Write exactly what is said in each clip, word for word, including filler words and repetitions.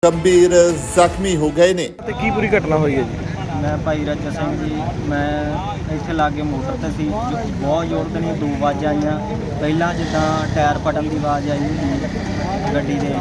गंभीर जख्मी हो गए ने। ਤੇ ਕੀ ਪੂਰੀ ਘਟਨਾ ਹੋਈ ਹੈ ਜੀ? मैं भाई राजा सिंह जी, मैं ਇੱਥੇ ਲਾਗੇ ਮੋਟਰ ਤੇ ਸੀ, ਜੋ ਬਹੁਤ ਜ਼ੋਰ ਦੇ ਨਹੀਂ ਦੋ ਆਵਾਜ਼ਾਂ ਆਈਆਂ। ਪਹਿਲਾਂ ਜਿੱਦਾਂ ਟਾਇਰ ਫਟਣ ਦੀ ਆਵਾਜ਼ ਆਈ ਹੁੰਦੀ ਗੱਡੀ ਦੇ,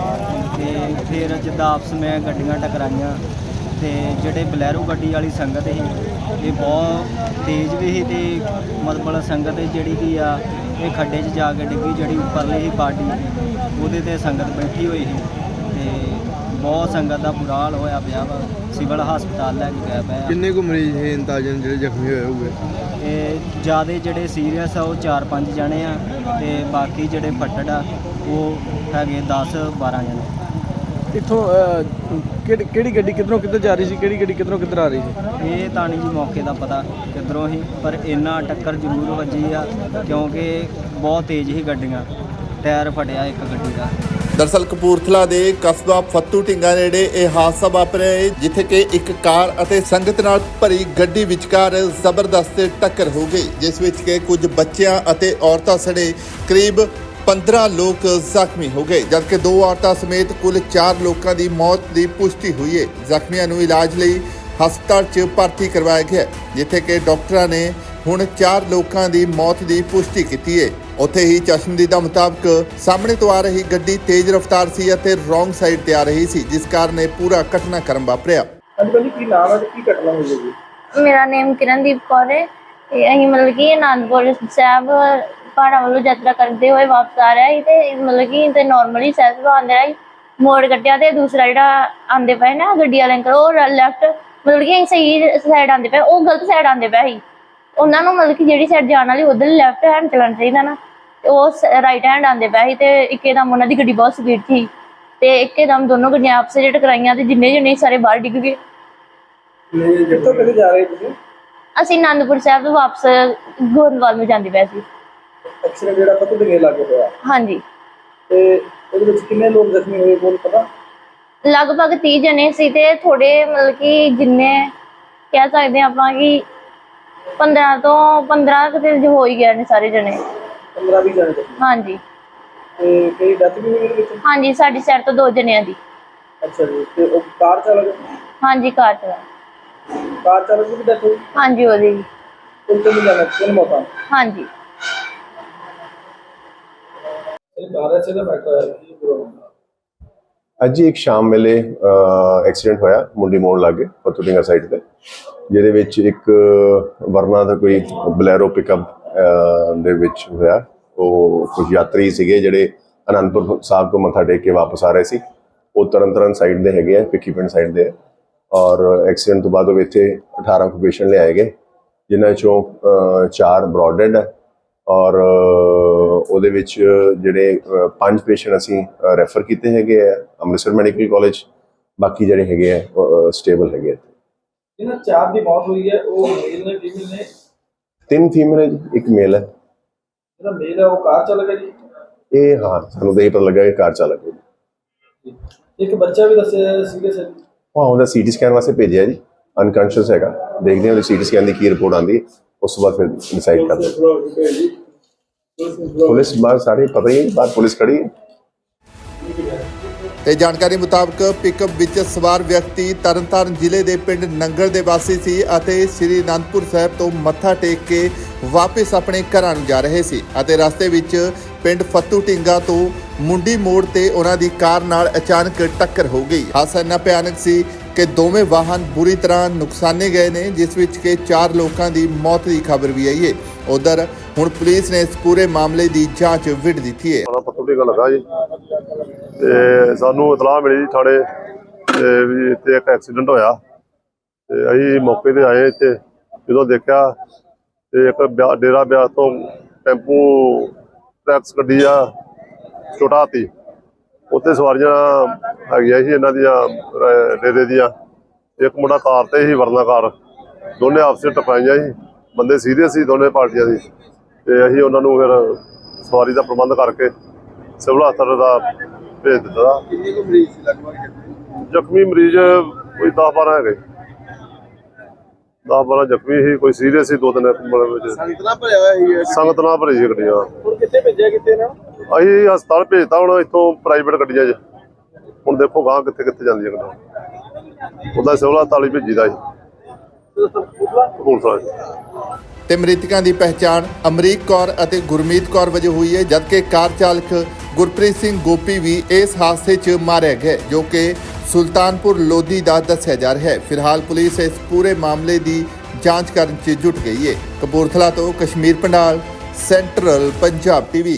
ਤੇ ਫਿਰ ਜਿੱਦਾਂ ਆਪਸ ਵਿੱਚ ਗੱਡੀਆਂ ਟਕਰਾਈਆਂ ਤੇ ਜਿਹੜੇ ਬਲੈਰੋ ਗੱਡੀ ਵਾਲੀ ਸੰਗਤ ਸੀ ਇਹ ਬਹੁਤ ਤੇਜ਼ ਵੀ ਸੀ, ਤੇ ਮਤਲਬ ਸੰਗਤ ਜਿਹੜੀ ਕੀ ਆ ਇਹ ਖੱਡੇ 'ਚ ਜਾ ਕੇ ਡਿੱਗੀ। ਜਿਹੜੀ ਉੱਪਰਲੀ ਸੀ ਬਾਡੀ ਉਹਦੇ ਤੇ ਸੰਗਤ ਬੈਠੀ ਹੋਈ ਸੀ, ਤੇ ਬਹੁਤ ਸੰਗਤ ਦਾ ਬੁਰਾ ਹਾਲ ਹੋਇਆ ਪਿਆ ਵਾ। ਸਿਵਲ ਹਸਪਤਾਲ ਲੈ ਕੇ ਗਏ ਪਏ ਆ। ਕਿੰਨੇ ਕੁ ਮਰੀਜ਼ ਹੈ ਅੰਦਾਜ਼ਨ ਜਿਹੜੇ ਜ਼ਖਮੀ ਹੋਏ ਹੋਗੇ? ਇਹ ਜ਼ਿਆਦਾ ਜਿਹੜੇ ਸੀਰੀਅਸ ਆ ਉਹ ਚਾਰ ਪੰਜ ਜਣੇ ਆ, ਤੇ ਬਾਕੀ ਜਿਹੜੇ ਫੱਟੜ ਆ ਉਹ ਹੈਗੇ ਦਸ ਬਾਰਾਂ ਜਣੇ। ਇੱਥੋਂ ਕਿਹੜੀ ਕਿਹੜੀ ਗੱਡੀ ਕਿੱਧਰੋਂ ਕਿੱਧਰ ਜਾ ਰਹੀ ਸੀ, ਕਿਹੜੀ ਗੱਡੀ ਕਿੱਧਰੋਂ ਕਿੱਧਰ ਆ ਰਹੀ ਸੀ? ਇਹ ਤਾਂ ਨਹੀਂ ਜੀ ਮੌਕੇ ਦਾ ਪਤਾ ਕਿੱਧਰੋਂ ਹੀ, ਪਰ ਇੰਨਾ ਟੱਕਰ ਜ਼ਰੂਰ ਵੱਜੀ ਆ ਕਿਉਂਕਿ ਬਹੁਤ ਤੇਜ਼ ਹੀ ਗੱਡੀਆਂ, ਟਾਇਰ ਫਟਿਆ ਇੱਕ ਗੱਡੀ ਦਾ। दरअसल कपूरथला ਦੇ ਕਸਬਾ ਫੱਤੂ ਢਿੰਗਾ ਨੇੜੇ ਇਹ ਹਾਦਸਾ ਵਾਪਰਿਆ ਹੈ, ਜਿੱਥੇ ਕਿ ਇੱਕ ਕਾਰ ਅਤੇ ਸੰਗਤ ਨਾਲ ਭਰੀ ਗੱਡੀ ਵਿਚਕਾਰ ਜ਼ਬਰਦਸਤ ਟੱਕਰ ਹੋ ਗਈ, ਜਿਸ ਵਿੱਚ ਕਿ ਕੁਝ ਬੱਚਿਆਂ ਅਤੇ ਔਰਤਾਂ ਸਣੇ ਕਰੀਬ ਪੰਦਰਾਂ ਲੋਕ ਜ਼ਖਮੀ ਹੋ ਗਏ, ਜਦਕਿ ਦੋ ਔਰਤਾਂ ਸਮੇਤ ਕੁੱਲ ਚਾਰ ਲੋਕਾਂ ਦੀ ਮੌਤ ਦੀ ਪੁਸ਼ਟੀ ਹੋਈ ਹੈ। ਜ਼ਖਮੀਆਂ ਨੂੰ ਇਲਾਜ ਲਈ ਹਸਪਤਾਲ 'ਚ ਭਰਤੀ ਕਰਵਾਇਆ ਗਿਆ, ਜਿੱਥੇ ਕਿ ਡਾਕਟਰਾਂ ਨੇ ਹੁਣ ਚਾਰ ਲੋਕਾਂ ਦੀ ਮੌਤ ਦੀ ਪੁਸ਼ਟੀ ਕੀਤੀ ਹੈ। ਉੱਥੇ ਹੀ ਚਸ਼ਮਦੀਦਾ ਮੁਤਾਬਕ ਸਾਹਮਣੇ ਤੋਂ ਆ ਰਹੀ ਗੱਡੀ ਤੇਜ਼ ਰਫ਼ਤਾਰ ਸੀ ਅਤੇ ਰੋਂਗ ਸਾਈਡ ਤੇ ਆ ਰਹੀ ਸੀ, ਜਿਸ ਕਾਰਨ ਇਹ ਪੂਰਾ ਘਟਨਾਕ੍ਰਮ ਵਾਪਰਿਆ। ਹਾਂਜੀ ਕੀ ਨਾਮ ਹੈ ਤੇ ਕੀ ਘਟਨਾ ਹੋਈ ਹੈ ਜੀ? ਮੇਰਾ ਨੇਮ ਕਿਰਨਦੀਪ ਕੌਰ ਹੈ ਤੇ ਅਸੀਂ ਮਤਲਬ ਕਿ ਅਨੰਦਪੁਰ ਸਾਹਿਬ ਪਹਾੜਾਂ ਵੱਲੋਂ ਯਾਤਰਾ ਕਰਦੇ ਹੋਏ ਵਾਪਸ ਆ ਰਿਹਾ ਸੀ, ਤੇ ਮਤਲਬ ਕਿ ਤੇ ਨੋਰਮਲੀ ਸਹਿਜ ਤੋਂ ਆਉਂਦੇ ਰਿਹਾ ਮੋੜ ਕੱਟਿਆ, ਤੇ ਦੂਸਰਾ ਜਿਹੜਾ ਆਉਂਦੇ ਪਏ ਨਾ ਗੱਡੀ ਵਾਲੇ ਅੰਕਲ ਉਹ ਲੈਫਟ ਮਤਲਬ ਕਿ ਅਸੀਂ ਸਹੀ ਸਾਈਡ ਆਉਂਦੇ ਪਏ, ਉਹ ਗਲਤ ਸਾਈਡ ਆਉਂਦੇ ਪਏ ਸੀ। ਉਹਨਾਂ ਨੂੰ ਮਤਲਬ ਕਿ ਜਿਹੜੀ ਸਾਈਡ ਜਾਣ ਵਾਲੀ ਉਧਰ ਲੈਫਟ ਹੈਂਡ ਚਲਾਉਣਾ ਚਾਹੀਦਾ ਨਾ, ਤੇ ਉਹ ਰਾਈਟ ਹੈਂਡ ਆਉਂਦੇ ਪਏ ਸੀ, ਤੇ ਇੱਕਦਮ ਉਹਨਾਂ ਦੀ ਗੱਡੀ ਬਹੁਤ ਸਪੀਡ ਸੀ, ਤੇ ਇੱਕਦਮ ਦੋਨੋਂ ਗੱਡੀਆਂ ਆਪਸ ਵਿੱਚ ਟਕਰਾਈਆਂ, ਤੇ ਜਿੰਨੇ ਜਣੇ ਸਾਰੇ ਬਾਹਰ ਡਿੱਗ ਗਏ। ਕਿੱਥੋਂ ਕਿੱਥੇ ਜਾ ਰਹੇ ਤੁਸੀਂ? ਅਸੀਂ ਅਨੰਦਪੁਰ ਸਾਹਿਬ ਤੋਂ ਵਾਪਸ ਗੋਇੰਦਵਾਲ ਨੂੰ ਜਾਂਦੇ ਪਏ ਸੀ। ਐਕਸੀਡੈਂਟ ਜਿਹੜਾ ਫੱਤੂ ਢਿੰਗੇ ਲਾਗੇ ਹੋਇਆ, ਹਾਂਜੀ, ਤੇ ਉਹਦੇ ਵਿੱਚ ਕਿੰਨੇ ਲੋਕ ਜ਼ਖਮੀ ਹੋਏ ਕੋਲ ਪਤਾ? ਲਗਭਗ ਤੀਹ ਜਣੇ ਸੀ, ਤੇ ਥੋੜੇ ਮਤਲਬ ਕਿ ਜਿੰਨੇ ਕਹਿ ਸਕਦੇ ਆਪਾਂ ਕਿ ਪੰਦਰਾਂ ਤੋਂ ਪੰਦਰਾਂ ਕੁ ਦਿਨ ਹੋ ਹੀ ਗਏ ਨੇ ਸਾਰੇ ਜਣੇ। ਪੰਦਰਾਂ ਵੀਹ ਜਣੇ? ਹਾਂਜੀ। ਤੇ ਕਈ ਡੈਥ ਵੀ ਹੋਈ ਇਹਦੇ ਵਿੱਚ? ਹਾਂਜੀ, ਸਾਡੀ ਸਾਈਡ ਤੋਂ ਦੋ ਜਣਿਆਂ ਦੀ। ਅੱਛਾ ਜੀ, ਤੇ ਉਹ ਕਾਰ ਚਾਲਕ? ਹਾਂਜੀ, ਕਾਰ ਚਲਾ ਕਾਰ ਚਾਲਕ ਦੀ ਵੀ ਡੈਥ ਹੋਈ? ਹਾਂਜੀ, ਉਹਦੀ ਵੀ। ਕੁੱਲ ਕਿੰਨੇ ਜਣੇ? ਤਿੰਨ ਮੌਤਾਂ? ਹਾਂਜੀ। ਇਹ ਬਾਰਾਂ ਸੇ ਦਾ ਮੈਟਰ ਹੈ ਕੀ ਪ੍ਰੋਬਲਮ? ਅੱਜ ਹੀ ਇੱਕ ਸ਼ਾਮ ਵੇਲੇ ਐਕਸੀਡੈਂਟ ਹੋਇਆ ਮੁੰਡੀ ਮੋੜ ਲਾਗੇ ਫੱਤੂ ਢਿੰਗਾ ਸਾਈਡ ਤੇ, ਜਿਹਦੇ ਵਿੱਚ ਇੱਕ ਵਰਨਾ ਦਾ ਕੋਈ ਬਲੈਰੋ ਪਿਕਅਪ ਦੇ ਵਿੱਚ ਹੋਇਆ। ਉਹ ਕੁਝ ਯਾਤਰੀ ਸੀਗੇ ਜਿਹੜੇ ਅਨੰਦਪੁਰ ਸਾਹਿਬ ਤੋਂ ਮੱਥਾ ਟੇਕ ਕੇ ਵਾਪਸ ਆ ਰਹੇ ਸੀ। ਉਹ ਤਰਨ ਤਾਰਨ ਸਾਈਡ ਦੇ ਹੈਗੇ ਆ, ਭਿੱਖੀ ਪਿੰਡ ਸਾਈਡ ਦੇ, ਔਰ ਐਕਸੀਡੈਂਟ ਤੋਂ ਬਾਅਦ ਉਹ ਇੱਥੇ ਅਠਾਰਾਂ ਕੁ ਪੇਸ਼ੈਂਟ ਲਿਆਏ ਗਏ, ਜਿਨ੍ਹਾਂ 'ਚੋਂ ਚਾਰ ਬਰੋਡ ਡੈਡ ਹੈ, ਔਰ ਉਹਦੇ ਵਿੱਚ ਜਿਹੜੇ ਪੰਜ ਪੇਸ਼ੈਂਟ ਅਸੀਂ ਰੈਫਰ ਕੀਤੇ ਹੈਗੇ ਆ ਅੰਮ੍ਰਿਤਸਰ ਮੈਡੀਕਲ ਕਾਲਜ, ਬਾਕੀ ਜਿਹੜੇ ਹੈਗੇ ਆ ਸਟੇਬਲ ਹੈਗੇ ਆ। ਇਹਨਾਂ ਚਾਰ ਦੀ ਮੌਤ ਹੋਈ ਹੈ, ਉਹ ਮੇਲ ਨੇ ਫੀਮੇਲ ਨੇ? ਤਿੰਨ ਫੀਮੇਲ ਹੈ ਜੀ, ਇੱਕ ਮੇਲ ਹੈ। ਜਿਹੜਾ ਮੇਲ ਹੈ ਉਹ ਕਾਰ ਚਾਲਕ ਹੈ ਜੀ? ਇਹ ਹਾਂ, ਸਾਨੂੰ ਤਾਂ ਇਹ ਪਤਾ ਲੱਗਾ ਕਿ ਕਾਰ ਚਾਲਕ ਹੈ ਜੀ। ਇੱਕ ਬੱਚਾ ਵੀ ਦੱਸਿਆ ਸੀਰੀਅਸ ਹੈ? ਹਾਂ, ਉਹਦਾ ਸੀ ਟੀ ਸਕੈਨ ਵਾਸਤੇ ਭੇਜਿਆ ਜੀ, ਅਨਕੌਂਸ਼ੀਅਸ ਹੈਗਾ। ਦੇਖਦੇ ਹਾਂ ਉਹਦੀ ਸੀ ਟੀ ਸਕੈਨ ਦੀ ਕੀ ਰਿਪੋਰਟ ਆਉਂਦੀ ਹੈ, ਉਸ ਤੋਂ ਬਾਅਦ ਫਿਰ ਡਿਸਾਈਡ ਕਰਦੇ ਹਾਂ। ਪੁਲਿਸ ਬਾਹਰ ਸਾਰੇ ਪਤਾ ਹੀ ਹੈ, ਬਾਹਰ ਪੁਲਿਸ ਖੜੀ ਹੈ। ਤੇ ਜਾਣਕਾਰੀ ਮੁਤਾਬਕ ਪਿਕਅਪ ਵਿੱਚ ਸਵਾਰ ਵਿਅਕਤੀ ਤਰਨਤਾਰਨ ਜ਼ਿਲ੍ਹੇ ਦੇ ਪਿੰਡ ਨੰਗਲ ਦੇ ਵਾਸੀ ਸੀ ਅਤੇ ਸ੍ਰੀ ਅਨੰਦਪੁਰ ਸਾਹਿਬ ਤੋਂ ਮੱਥਾ ਟੇਕ ਕੇ ਵਾਪਸ ਆਪਣੇ ਘਰਾਂ ਨੂੰ ਜਾ ਰਹੇ ਸੀ, ਅਤੇ ਰਸਤੇ ਵਿੱਚ ਪਿੰਡ ਫੱਤੂ ਢਿੰਗਾ ਤੋਂ ਮੁੰਡੀ ਮੋੜ ਤੇ ਉਹਨਾਂ ਦੀ ਕਾਰ ਨਾਲ ਅਚਾਨਕ ਟੱਕਰ ਹੋ ਗਈ। ਹਾਦਸਾ ਇੰਨਾ ਭਿਆਨਕ ਸੀ ਕਿ ਦੋਵੇਂ ਵਾਹਨ ਬੁਰੀ ਤਰ੍ਹਾਂ ਨੁਕਸਾਨੇ ਗਏ ਨੇ, ਜਿਸ ਵਿੱਚ ਕਿ ਚਾਰ ਲੋਕਾਂ ਦੀ ਮੌਤ ਦੀ ਖਬਰ ਵੀ ਆਈ ਹੈ। ਉਧਰ ਹੁਣ ਪੁਲਿਸ ਨੇ ਇਸ ਪੂਰੇ ਮਾਮਲੇ ਦੀ ਜਾਂਚ ਵਿੱਢ ਦਿੱਤੀ ਹੈ। ਫੱਤੂ ਢਿੰਗਾ ਲੱਗਾ ਜੀ, ਤੇ ਸਾਨੂੰ ਇਤਲਾਹ ਮਿਲੀ ਜੀ ਥਾਣੇ ਤੇ ਵੀ ਇੱਥੇ ਇੱਕ ਐਕਸੀਡੈਂਟ ਹੋਇਆ, ਤੇ ਅਸੀਂ ਮੌਕੇ ਤੇ ਆਏ। ਇੱਥੇ ਜਦੋਂ ਦੇਖਿਆ ਤੇ ਇੱਕ ਡੇਰਾ ਬਿਆਸ ਤੋਂ ਟੈਂਪੂ ਟਰੈਕਸ ਗੱਡੀ ਆ ਛੋਟਾ ਹਾਥੀ, ਉੱਥੇ ਸਵਾਰੀਆਂ ਹੈਗੀਆਂ ਸੀ ਇਹਨਾਂ ਦੀਆਂ ਡੇਰੇ ਦੀਆਂ। ਇੱਕ ਮੁੰਡਾ ਕਾਰ ਤੇ ਸੀ, ਵਰਨਾ ਕਾਰ, ਦੋਨੇ ਆਪਸ ਵਿੱਚ ਟਕਰਾਈਆਂ ਸੀ। ਬੰਦੇ ਸੀਰੀਅਸ ਸੀ ਦੋਨੇ ਪਾਰਟੀਆਂ ਦੀ, ਤੇ ਅਸੀਂ ਉਹਨਾਂ ਨੂੰ ਫਿਰ ਸਵਾਰੀ ਦਾ ਪ੍ਰਬੰਧ ਕਰਕੇ ਸਿਵਲ ਹਸਪਤਾਲ ਦਾ ਭੇਜ ਦਿੱਤਾ। ਕਿੰਨੇ ਕੁ ਮਰੀਜ਼ ਸੀ ਲਗਭਗ? ਜ਼ਖਮੀ ਮਰੀਜ਼ ਕੋਈ ਦਸ ਬਾਰਾਂ ਹੈਗੇ, ਦਸ ਬਾਰਾਂ ਜ਼ਖਮੀ ਸੀ, ਕੋਈ ਸੀਰੀਅਸ ਸੀ, ਦੋ ਤਿੰਨ ਸੰਗਤ ਨਾਲ ਭਰਿਆ ਹੋਇਆ ਸੀ? ਸੰਗਤ ਨਾਲ ਭਰੀ ਸੀ ਗੱਡੀਆਂ। ਹੁਣ ਕਿੱਥੇ ਭੇਜਿਆ, ਕਿੱਥੇ ਨਾ? ਅਸੀਂ ਹਸਪਤਾਲ ਭੇਜਤਾ, ਹੁਣ ਇੱਥੋਂ ਪ੍ਰਾਈਵੇਟ ਗੱਡੀਆਂ 'ਚ ਹੁਣ ਦੇਖੋ ਗਾਂ ਕਿੱਥੇ ਕਿੱਥੇ ਜਾਂਦੀ ਹੈ ਗੱਡੀ। ਉਹਦਾ ਸਿਵਲ ਹਸਪਤਾਲ ਹੀ ਭੇਜੀਦਾ ਸੀ ਕਪੂਰਥਲਾ 'ਚ। ਤੇ ਮ੍ਰਿਤਕਾਂ ਦੀ ਪਹਿਚਾਣ ਅਮਰੀਕ ਕੌਰ ਅਤੇ ਗੁਰਮੀਤ ਕੌਰ ਵਜੋਂ ਹੋਈ ਹੈ, ਜਦਕਿ ਕਾਰ ਚਾਲਕ ਗੁਰਪ੍ਰੀਤ ਸਿੰਘ ਗੋਪੀ ਵੀ ਇਸ ਹਾਦਸੇ 'ਚ ਮਾਰਿਆ ਗਿਆ, ਜੋ ਕਿ ਸੁਲਤਾਨਪੁਰ ਲੋਧੀ ਦਾ ਦੱਸਿਆ ਜਾ ਰਿਹਾ ਹੈ। ਫਿਲਹਾਲ ਪੁਲਿਸ ਇਸ ਪੂਰੇ ਮਾਮਲੇ ਦੀ ਜਾਂਚ ਕਰਨ 'ਚ ਜੁਟ ਗਈ ਹੈ। ਕਪੂਰਥਲਾ ਤੋਂ ਕਸ਼ਮੀਰ ਪੰਡਾਲ, ਸੈਂਟਰਲ ਪੰਜਾਬ ਟੀਵੀ।